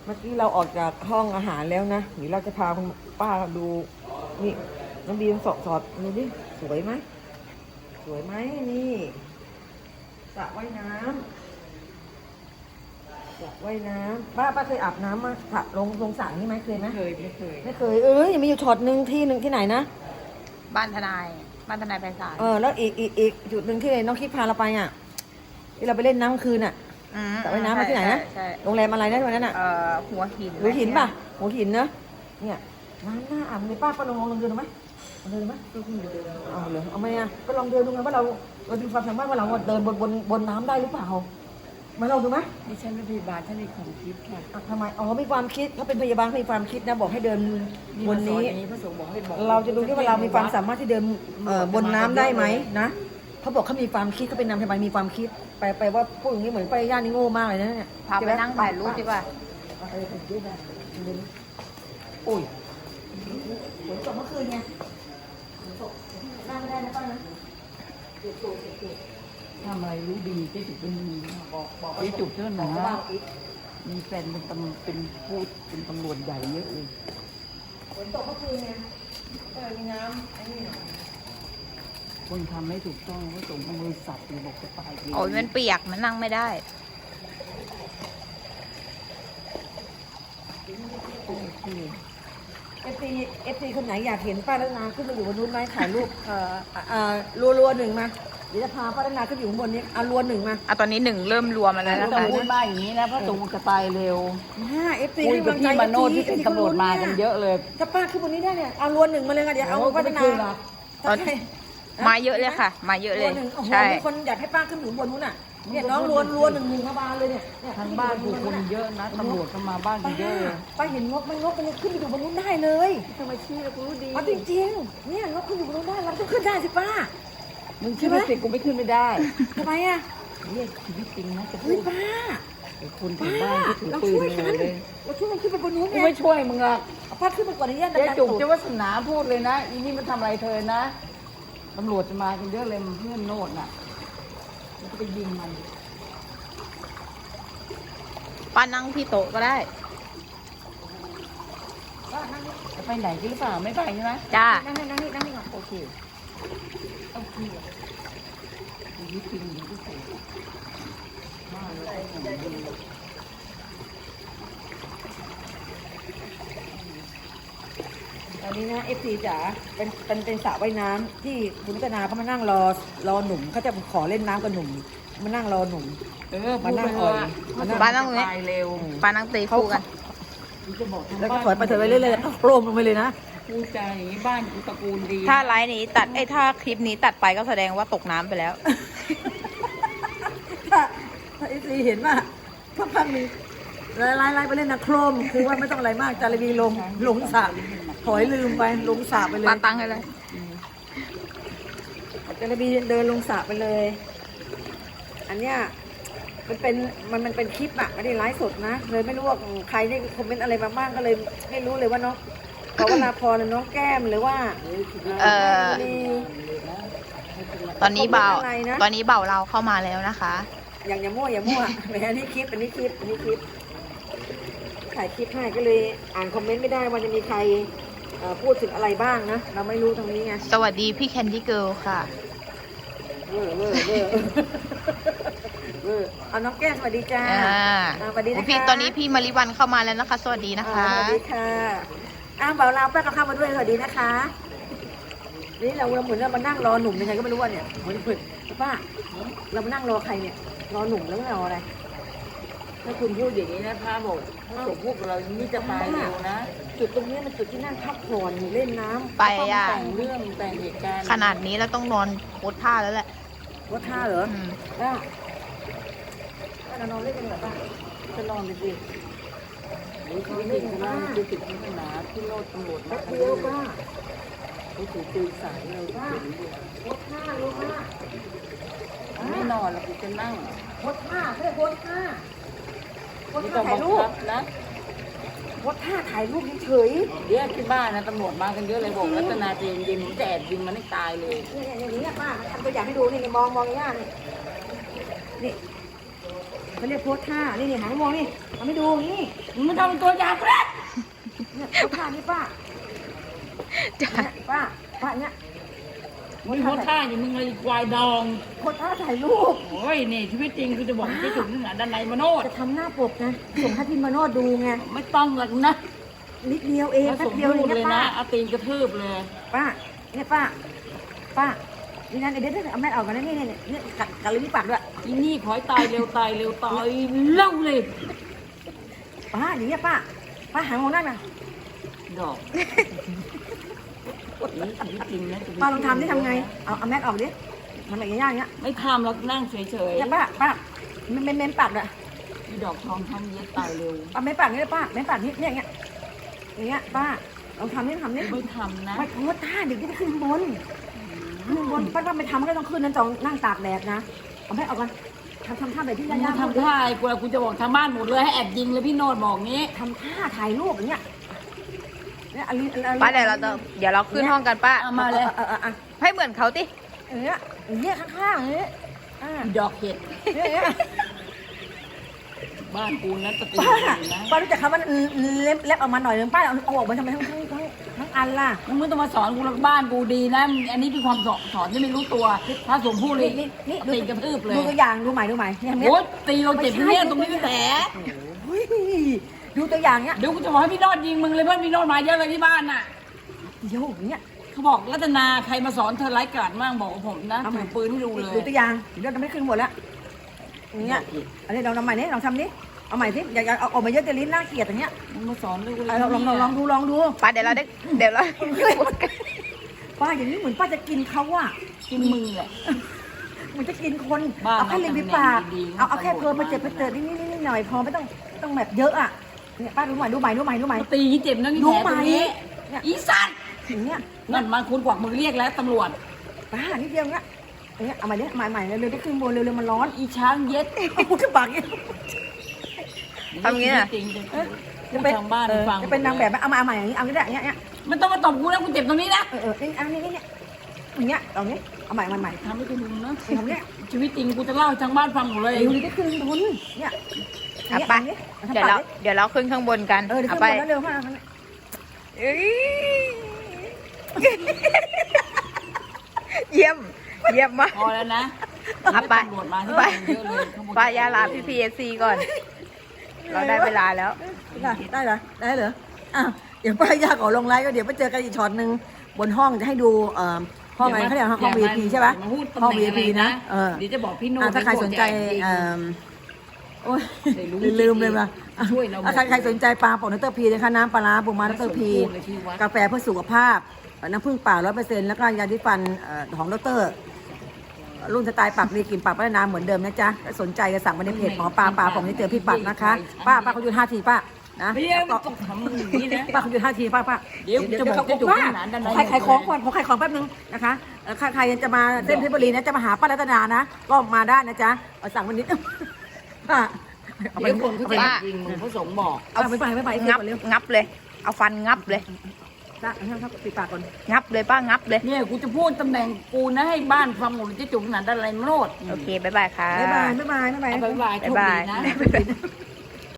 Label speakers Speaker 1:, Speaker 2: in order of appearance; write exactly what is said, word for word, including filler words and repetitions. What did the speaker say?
Speaker 1: เมื่อกี้เราออกจากห้องอาหารแล้วนะเดี๋ยวเราจะพาคุณป้าดูนี่น้องบีมสอดสอดดูดิสวยไหมสวยไหมนี่สระว่ายน้ำสระว่ายน้ำป้าป้าเคยอาบน้ำมาสระลงลงสระนี่ไหมเคยไหม
Speaker 2: เคยไม่เคย
Speaker 1: ไม่เคยเอ้ยยังมีอยู่ช็อตหนึ่งที่หนึ่งที่ไหนนะ
Speaker 3: บ้านทนายบ้านทนายไพศาล
Speaker 1: เออแล้วอีกอีกอีกจุดหนึ่งที่น้องคิดพาเราไปอ่ะที่เราไปเล่นน้ำคืนอ่ะ
Speaker 3: อืม
Speaker 1: สระว่ายน้ำมาที่ไหนนะ
Speaker 3: ใช่ใช่
Speaker 1: โรงแรมอะไรนะวันนั้นอ่ะ
Speaker 3: เอ่อหัวหิน
Speaker 1: หัวหินป่ะหัวหินเนอะเนี่ยน้ำหน้าอาบเลยป้าป้าลองลองเดินดูไหมลองเดินดูไหมเอาเลยเอาไหมอ่ะก็ลองเดินดูไงว่าเราเราดูความสามารถว่าเราเดินบนบนบนน้ำได้หรือเปล่ามาลองดูไหม
Speaker 2: ดิฉันเป็นพยาบาลท่านในความคิดค่ะ
Speaker 1: อ่ะทำไมอ๋อมีความคิดถ้าเป็นพยาบาลมีความคิดนะบอกให้เดินบนนี้
Speaker 2: พระสงฆ์บอกให้บอก
Speaker 1: เราจะดูที่ว่าเรามีความสามารถที่เดินเอ่อบนน้ำได้ไหมนะเขาบอกเขามีความคิดเขาเป็นนางพยาบาลมีความคิดไปไปว่าพูดอย่างนี้เหมือนไปย่านนี่โง่มากเลยนะเนี่ย
Speaker 3: พาไปนั่งถ่ายรูปดีกว่า
Speaker 1: เออถ่ายรูปได้โอ้ยฝนตกเมื่อคืนไงฝนตกนั่งไม่ได้นะป้านะเจ็บตัวเจ็บตัว
Speaker 2: ทำอะไรรู้ดีที่จุดเป็นดี
Speaker 1: บอกบอก
Speaker 2: ที่จุดเท่า
Speaker 1: บ
Speaker 2: นั้
Speaker 1: อก
Speaker 2: น
Speaker 1: ว่าอีก
Speaker 2: มีแฟนเป็นตำเป็นพูดเป็นตำรวจใหญ่เยอะเลย
Speaker 1: ฝนตกเมื่อคืนไงก็เลยมีน้ำไอ้นี่
Speaker 2: คนทำไม่ถูกต้องพระสงฆ์เอามือสับเลยบอกจะตายเอง
Speaker 3: โอ้ยมันเปียกมันนั่งไม่ได้
Speaker 2: โอเค
Speaker 1: เอฟซีเอฟซีคนไหนอยากเห็นป้ารัตนาขึ้นมาอยู่บนนู้นไหมถ่ายรูปเอ่อเอ่อรัวรัวๆหนึ่งมาเดี๋ยวจะพาป้ารัตนาขึ้นอยู่ข้างบนนี้เอารัวหนึ่งมา
Speaker 3: อ่ะตอนนี้หนึ่งเริ่มรวมมาแล้ว
Speaker 2: ไม่
Speaker 3: นะ
Speaker 2: ต้อง
Speaker 3: คะ
Speaker 2: พูดมากอย่างนี้นะพระสงฆ์จะตายเร็ว
Speaker 1: ห้าเอฟซี
Speaker 2: คุยกับพี่มาโนดที่เป็นตำรวจมากันเยอะเลย
Speaker 1: ถ้าป้าขึ้นบนนี้ได้เนี่ยเอารัวหนึ่งมาเลยค่ะเดี๋ยวเอาป้ารัตนา
Speaker 3: ตอนมาเยอะเลยค่ะ มาเยอะเลย
Speaker 1: รัวหนึ่งโอ้โห
Speaker 3: ใช่
Speaker 1: มีคนอยากให้ป้าขึ้นอยู่บนนู้นอ่ะเนี่ยน้องรัวรัวหนึ่งหนึ่งมาบานเลยเนี่ยเนี่ย
Speaker 2: ทางบ้านผู้คนเยอะนะตำรวจก็มาบ้านกั
Speaker 1: ป้าน
Speaker 2: เยอะเลย
Speaker 1: ป้าเห็นงบไหม่งบมันยังขึ้นไปอยู่บนนู้นได้เลย
Speaker 2: ทำไมชี้เรารู้ดี
Speaker 1: เอาจริงๆเนี่ยงบขึ้นอยู่บนนู้นได้เราต้องขึ้นได้สิป้า
Speaker 2: มึงคิดว่าสิกูไม่ขึ้นไม่ได้
Speaker 1: ทำไมอ่ะ
Speaker 2: เนี่ยชีวิตจริงนะจะพู
Speaker 1: เฮ้ย
Speaker 2: ด
Speaker 1: ป้า
Speaker 2: ไอ้คนแถว
Speaker 1: ป้า
Speaker 2: บ้านที่ถือ
Speaker 1: เรา
Speaker 2: ปืน
Speaker 1: ช่วย
Speaker 2: เล
Speaker 1: กัน
Speaker 2: ยเลย
Speaker 1: เราช่วยกันขึ้นไปบนนู้น
Speaker 2: กู
Speaker 1: ไง
Speaker 2: ไม่ช่วยมึงหรอก
Speaker 1: เอาป้าขึ้นไปก่อนนะย่า
Speaker 2: เจ๊
Speaker 1: ดัน
Speaker 2: จุก
Speaker 1: ตูด
Speaker 2: เจ้าวัฒนาพูดเลยนะอีนี่มันทำอะไรเธอนะตำรวจจะมากันเยอะเลยมันเพื่อนโนดน่ะมันก็ไปยิงมัน
Speaker 3: ป้านั่งที่โต๊ะก็ได้
Speaker 2: จะไปไหนกันหรือเปล่าไม่ไปใช่ไหม
Speaker 3: จ้า
Speaker 1: นั่งนี่นั่งนี่นั่งนี่ก่อน
Speaker 2: โอเคโอเคชีวิตจริงอย่างที่สุดบ้าเลยต้องอย่างดี
Speaker 1: ตอนนี้นะเอฟซีจ๋าเป็นเป็นเป็นสระว่ายน้ำที่คุณรัตนาเขามานั่งรอรอหนุ่มเขาจะขอเล่นน้ำกับหนุ่มมานั่งรอหนุ่ม
Speaker 2: เออ
Speaker 1: มานั่ง
Speaker 2: พูด
Speaker 1: อ่อย
Speaker 2: ไป
Speaker 1: มานั่ง
Speaker 2: เถะ
Speaker 3: บ้านนั่งตรงนี้
Speaker 2: ตายเร็ว
Speaker 3: ป้านั่งตีคู่กัน
Speaker 2: กูจะบอกทาง
Speaker 1: แล้วก็
Speaker 2: บ้าน
Speaker 1: ถอยไปเถอะไปเรื่อยๆแล้วก็โครมลงไปเลยนะ
Speaker 2: กูจะอย่างนี้บ้านกูตระกูลดี
Speaker 3: ถ้าไลฟ์นี้ตัดไอ้ยถ้าคลิปนี้ตัดไปก็แสดงว่าตกน้ำไปแล้ว
Speaker 1: ถ้าถ้าเอฟซีเห็นว่าพักพักๆหนึงไล่ไล่ไล่ไปเล่นนะโครมคือว่าไม่ต้องอะไรมากจารีบีลงลงสระถอยลืมไปลงสระไปเลย
Speaker 3: ปาตังให้เลย
Speaker 1: จารีบีเดินลงสระไปเลย อันเนี้ยมันเป็นมันมันเป็นคลิปอะไม่ได้ไลฟ์สดนะเลยไม่รู้ว่าใครได้คอมเมนต์อะไรมาบ้างก็เลยไม่รู้เลยว่าน้องขอเวลาพรหรือน้องแก้มหรือว่า
Speaker 3: เอ่อ
Speaker 1: มี
Speaker 3: ตอนนี้เบา
Speaker 1: คอมเมนต์อะไรนะ
Speaker 3: ตอนนี้เบาเราเข้ามาแล้วนะคะ
Speaker 1: อย่างอย่ามั่วอย่ามั่ว แหมอันนี้คลิปอันนี้คลิปอันนี้คลิปถ่ายคลิปให้ก็เลยอ่านคอมเมนต์ไม่ได้ว่าจะมีใครเอ่อพูดถึงอะไรบ้างนะเราไม่รู้ตรงนี้ไง
Speaker 3: สวัสดีพี่แคนดี้เกิลค่ะ
Speaker 1: เวอร์เวอร์เวอร์เวอร์เอาน้องแก้มสวัสดีจ้า
Speaker 3: อ่า
Speaker 1: อ่าสวัสดีนะคะ
Speaker 3: พี่ตอนนี้พี่มาริวันเข้ามาแล้วนะคะ สวัสดีนะคะ
Speaker 1: อ่าสวัสดีค่ะอ้าวเบาลาวแป้งก็เข้ามาด้วยสวัสดีนะคะ นี่เราเราเหมือนเรามานั่งรอหนุ่มยังไงก็ไม่รู้ว่าเนี่ยเหมือนเพื่อนป้าเรามานั่งรอใครเนี่ย รอหนุ่มแล้วไม่รออะไร
Speaker 2: ถ้าคุณพูดอย่างนี้นะพระบอกพระสงฆ์พูดกับเราอย่างนี้จะตายเร็วนะ
Speaker 1: จุดตรงนี้มันจุดที่นั่งพักผ่อนเล่นน้ำ
Speaker 3: ไป
Speaker 2: ต้อง
Speaker 3: อ่ะ
Speaker 2: แต่งเรื่องแต่งเหตุการณ์
Speaker 3: ขนาดนี้แล้วต้องนอนโพสท่าแล้วแหละ
Speaker 1: ว่าท่าเหรอ
Speaker 3: อืม
Speaker 1: ป้าป้าเรานอนเล่นกันเหรอป้า
Speaker 2: จะนอนไปสิหรือชีวิตจริงนะคือติดศาสนาที่โลดตำรวจ
Speaker 1: แป๊
Speaker 2: มา
Speaker 1: บ
Speaker 2: กัน
Speaker 1: เดียว
Speaker 2: เลย
Speaker 1: ป้า
Speaker 2: เขาถือปืนสายเรา
Speaker 1: ป้า
Speaker 2: เห็นอยู่
Speaker 1: ว่าท่ารู้ป้า
Speaker 2: ไม่นอนแล้วกูจะนั่ง
Speaker 1: โพสท่าไม่ได้โพสท่าโพส
Speaker 2: ไม่
Speaker 1: ท่า
Speaker 2: ต้อง
Speaker 1: ถ่า
Speaker 2: บั
Speaker 1: ย
Speaker 2: ง
Speaker 1: รูป
Speaker 2: คับนะ
Speaker 1: โพสท่าถ่ายรูปเฉย
Speaker 2: เดี๋ยวที่บ้านนะตำรวจมากันเยอะเลยบอกรัตนาเจนยิงผมจะแอบยิงมันให้ตายเลย
Speaker 1: ๆเนี่ยอย่างนี้ป้าทำตัวอย่างให้ดูนี่มองมองย่านี่นี่เขาเรียกโพสท่านี่นี่หางมองนี่เอาไม่ดูนี่
Speaker 2: มึงไม่ทำเป็นตัวอย่างกูนะ
Speaker 1: เนี่ยโพสท่านี่ป้า
Speaker 3: จ้ะ
Speaker 1: เนี่ยป้าป้าเนี่ย
Speaker 2: มึงโพสท่าอย่างมึงเลยควายดอง
Speaker 1: โพสท่าถ่ายรูป
Speaker 2: โอ้ยนี่ชีวิตจริงกูจะบอกที่จุดนึงอ่ะด้านในมโนด
Speaker 1: จะทำหน้าปกนะส่งให้พี่มาโนดดูไง
Speaker 2: ไม่ต้องหรอกนะ
Speaker 1: นิดเดียวเอง
Speaker 2: ถ้า
Speaker 1: แป๊
Speaker 2: ส
Speaker 1: บ
Speaker 2: ม
Speaker 1: เดียว
Speaker 2: พู
Speaker 1: เอ
Speaker 2: ด
Speaker 1: ง
Speaker 2: เลย
Speaker 1: นะป้า
Speaker 2: นะเอาตีนกระทืบเลย
Speaker 1: ป้าเนี่ยป้าป้านี่นั่นเดี๋ยวเดี๋ยวเอาแม่ออกก่อนนะนี่นี่นี่กัดกัดลิ้นที่ปากด้วย
Speaker 2: อีนี่ขอให้ตายเร็วตายเร็วตายเล่าเลย
Speaker 1: ป้าอย่างเงี้ยป้าป้าหางมองนั่นนะ
Speaker 2: ดอกนี่ชีวิตจริงนะชีวิต
Speaker 1: ป้าลองทำดิทำไงเอาเอาแม่ออกดิทำแบบย่างๆเงี้ย
Speaker 2: ไม่ทำแล้วนั่งเฉย
Speaker 1: เนี่ยป้าป้าเม้นเม้นเม้นปากด้วย
Speaker 2: ๆอีดอกทองทำเย็ดตายเร็ว
Speaker 1: ป้าเม้นปากนี่เลยป้าเม้นปากนี่เนี่ยอย่างเงี้ยอย่างเงี้ยป้าลองทำนี่ทำนี่
Speaker 2: ไม่ทำนะ
Speaker 1: ไม่โพสท่าเดี๋ยวจะขึ้นบนขึ้นบนป้าป้าไม่ทำก็ต้องขึ้นนั่นจองนั่งตากแดดนะเอาแม่ออกก่อนทำทำท่าแบบที่
Speaker 2: มึง
Speaker 1: ย่างๆ
Speaker 2: ทำท่าไอ้กูกูจะบอกทางบ้านหมดเลยให้แอบยิงเลยพี่โนดบอกงี้
Speaker 1: ทำท่าถ่ายรูปอย่างเงี้ยเนี่ยอันนี้อันนี้
Speaker 3: ป้าเดี๋ยวเราจะเดี๋ยวเราขึ้นห้องกันป้า
Speaker 2: เอามาเลย
Speaker 1: เออเออเออ
Speaker 3: ให้เหมือนเขาติ
Speaker 1: เออเนี่ยอย่างเงี้ยข้างๆอย่างเงี้ยอ่า
Speaker 2: อีดอกเห็ด
Speaker 1: เนี่ยเนี่ย
Speaker 2: บ้านกูนะตะกี้
Speaker 1: ป้า
Speaker 2: นะ
Speaker 1: ป้ารู้จักคำว่าเล็บเล็บออกมาหน่อยนึงป้าเอาเอาออกมาทำไมทั้งทั้งทั้งทั้งอันล่ะ
Speaker 2: มึงไม่ต้องมาสอนกูหรอกบ้านกูดีนะ อันนี้เป็นความสอนสอนที่ไม่รู้ตัว ถ้าสมพูดเลย
Speaker 1: นี่นี่
Speaker 2: ตีกระทืบเลย
Speaker 1: ดูตัวอย่างดูใหม่ดูใหม่เนี่ยเนี่ย
Speaker 2: โอ้ยตีเราเจ็บเนี่ยตรงนี้ก็แผล
Speaker 1: เฮ้ยดูตัวอย่างเนี้ย
Speaker 2: เดี๋ยวกูจะบอกให้พี่โนอดยิงมึงเลยเพื่อนพี่โนอดมาเยอะเลยที่บ้านน่ะ
Speaker 1: เดี๋ยวอย่างเงี้ย
Speaker 2: เขาบอกรัตนาใครมาสอนเธอไร้กาดมากบอกกับผมนะ
Speaker 1: เอาใหม่
Speaker 2: ถือปืนให้ดูเลย
Speaker 1: ดูตัวอย่างเดี๋ยวจะไม่ขึ้นหมดแล้วอย่างเงี้ยอันนี้เราทำใหม่นี่ลองทำนี่เอาใหม่สิอย่าอย่าเอาออกมาเยอะจะลิ้นน่าเกลียดอย่างเงี้ย
Speaker 2: มึงมาสอนลูกเลย
Speaker 1: เอาลองลองลองดูลองดู
Speaker 3: ป้าเดี๋ยวเราได้เดี๋ยวเรา
Speaker 1: ป้าอย่างนี้เหมือนป้าจะกินเขาอะ
Speaker 2: กินมึงแหละ
Speaker 1: เหมือนจะกินคน
Speaker 2: บ้า
Speaker 1: เอาแค่ริมฝีปาก
Speaker 2: ดีๆ
Speaker 1: เอาเอาแค่
Speaker 2: ตำรวจ
Speaker 1: เพลินมาเจ็บ
Speaker 2: มา
Speaker 1: ไปเติร์นิดนิดนิดหน่อยพอไม่ต้องไม่ต้องแบบเยอะอะเนี่ยป้าดูใหม่ดูใหม่ดูใหม่ดูใหม่
Speaker 2: ตีเจ็บนะนี่
Speaker 1: ดู
Speaker 2: แผล
Speaker 1: ใหม่
Speaker 2: ตรงนี้
Speaker 1: เนี่ย
Speaker 2: อีสัตว์
Speaker 1: อย่างเงี้ย
Speaker 2: นั่นมันคุณกวักมือเรียกแล้วตำรวจ
Speaker 1: ป้านิดเดียวเงี้ยอย่างเงี้ยเอาใหม่ดิใหม่ใหม่เร็วๆได้ขึ้นบนเร็วๆมันร้อน
Speaker 2: อีช้างเย็ด
Speaker 1: เอาขึ้นปากอย่างเงี้ย
Speaker 3: ทำงี้น่ะ
Speaker 2: จริงๆ
Speaker 1: จะ
Speaker 2: จะ
Speaker 1: เป็
Speaker 2: เป็น นทางบ้าน
Speaker 1: เออ
Speaker 2: ฟัง
Speaker 1: จะเป็นนางแบบไหมเอามาเอาใหม่อย่างนี้เอางี้ได้อย่างเงี้ยอย่างเงี้ย
Speaker 2: มันต้องมาตบกูนะกูเจ็บตรงนี้นะ
Speaker 1: เออเออนี่อันนี้นี่เนี่ยอย่างเงี้ยเอาเนี้ยเอาใหม่ใหม่ใหม่
Speaker 2: ทำให้กูดูนะ
Speaker 1: ทำเนี้ย
Speaker 2: ชีวิตจริงกูจะเล่าให้ทางบ้านฟังหมดเลย
Speaker 1: เร็วๆได้ขึ้นบนเนี่ย
Speaker 3: เอาไป
Speaker 1: เนี้ย
Speaker 3: เดี๋ยวเราเดี๋ยวเราขึ้นข้างบนกัน
Speaker 1: เออเดี๋ยว
Speaker 3: เอา
Speaker 1: ขึ้น
Speaker 3: ไป
Speaker 1: บนแล้วเร็วมาก
Speaker 3: เอ้ยเยี่ยมเยี่ยมมาก
Speaker 2: พอแล้วนะ
Speaker 3: เอาไป
Speaker 2: ตำรวจมาที่
Speaker 3: ไป
Speaker 2: บ้านเยอะเลยขโม
Speaker 3: ป้ายาลาพี่พีเอสซีก่อน เราได้เวลาแล้ว
Speaker 1: ได้ได้เหรอได้เหรออ้าวเดี๋ยวป้ายาขอลงไลน์ก็เดี๋ยวไปเจอกันอีกช็อตหนึ่งบนห้องจะให้ดูเอ่อห้องอะไรเขาเรียกห้อง วี ไอ พี ใช่ปะ
Speaker 2: อย่ามาพูดตำ
Speaker 1: ห้อง
Speaker 2: แห
Speaker 1: วี
Speaker 2: น่
Speaker 1: ไอง พี
Speaker 2: อะไร
Speaker 1: นะเออ
Speaker 2: เดี๋ยวจะบอกพี่โน้
Speaker 1: อ่ะถ้าใครสนใจ
Speaker 2: เอ
Speaker 1: เอ่
Speaker 2: อ
Speaker 1: อโอ้ย
Speaker 2: ได้รู้
Speaker 1: ลืมเลยว่ะ
Speaker 2: ช่วยเราหมด
Speaker 1: อ่ะใครใครสนใจปลาปองนัตเตอร์พีนะคะน้ำปลาร้าปูมานัตเตอร์พี
Speaker 2: ไม่สมควรเลยที่วัด
Speaker 1: กาแฟเพื่อสุขภาพน้ำผึ้งป่าร้อยเปอร์เซ็นต์แล้วก็ยาดิฟันเอ่อของดรรุ่นสไตล์ปากดีกลิ่นปากพัฒนาเหมือนเดิมนะจ๊ะถ้าสนใจจะสั่งมาในเพจหมอปลาปลาผมนี่เจอพี่ปักนะคะ ป้าป้าเขาหยุดห้าทีป้านะ
Speaker 2: ไม่ได้ไม่ต้องทำอย่างนี้นะ
Speaker 1: ป้าเขาหยุดห้าทีป้าป้า
Speaker 2: เดี๋ยวจะบอก
Speaker 1: เดี๋ยว
Speaker 2: จะจุก
Speaker 1: ป้า
Speaker 2: ที่หนานด้านใน
Speaker 1: ขายขายของก่อนขอขายของแป๊บนึงนะคะเอ่อใครใครจะมาเส้นเพชรบุรีนะจะมาหาป้ารัตนานะ ก็มาได้นะจ๊ะเอาสั่งวันนี้ ป้าเอาไป
Speaker 2: เดี๋ยวคนเขา
Speaker 1: เอาไป
Speaker 2: จะ
Speaker 3: ป้า
Speaker 2: ยิงมึงเขาสงฆ์บอก
Speaker 1: เอาไปไปไปไป
Speaker 3: งับ
Speaker 1: ก่อนเร็ว
Speaker 3: งับเลย เอาฟันงับเลย
Speaker 1: จ้าเอาครับปิดปากก่อน
Speaker 3: งับเลยป้างับเลย
Speaker 2: เนี่ยกูจะพูดตำแหน่งกูนะให้บ้านฟังหมดเลยจะจุกขนาดอะไรโนด
Speaker 3: โอเคบ๊ายบายค่ะ
Speaker 1: บ๊ายบายบ๊ายบายบ๊ายบาย
Speaker 2: เอาบ๊ายบายโชคดีนะ
Speaker 3: บ๊ายบาย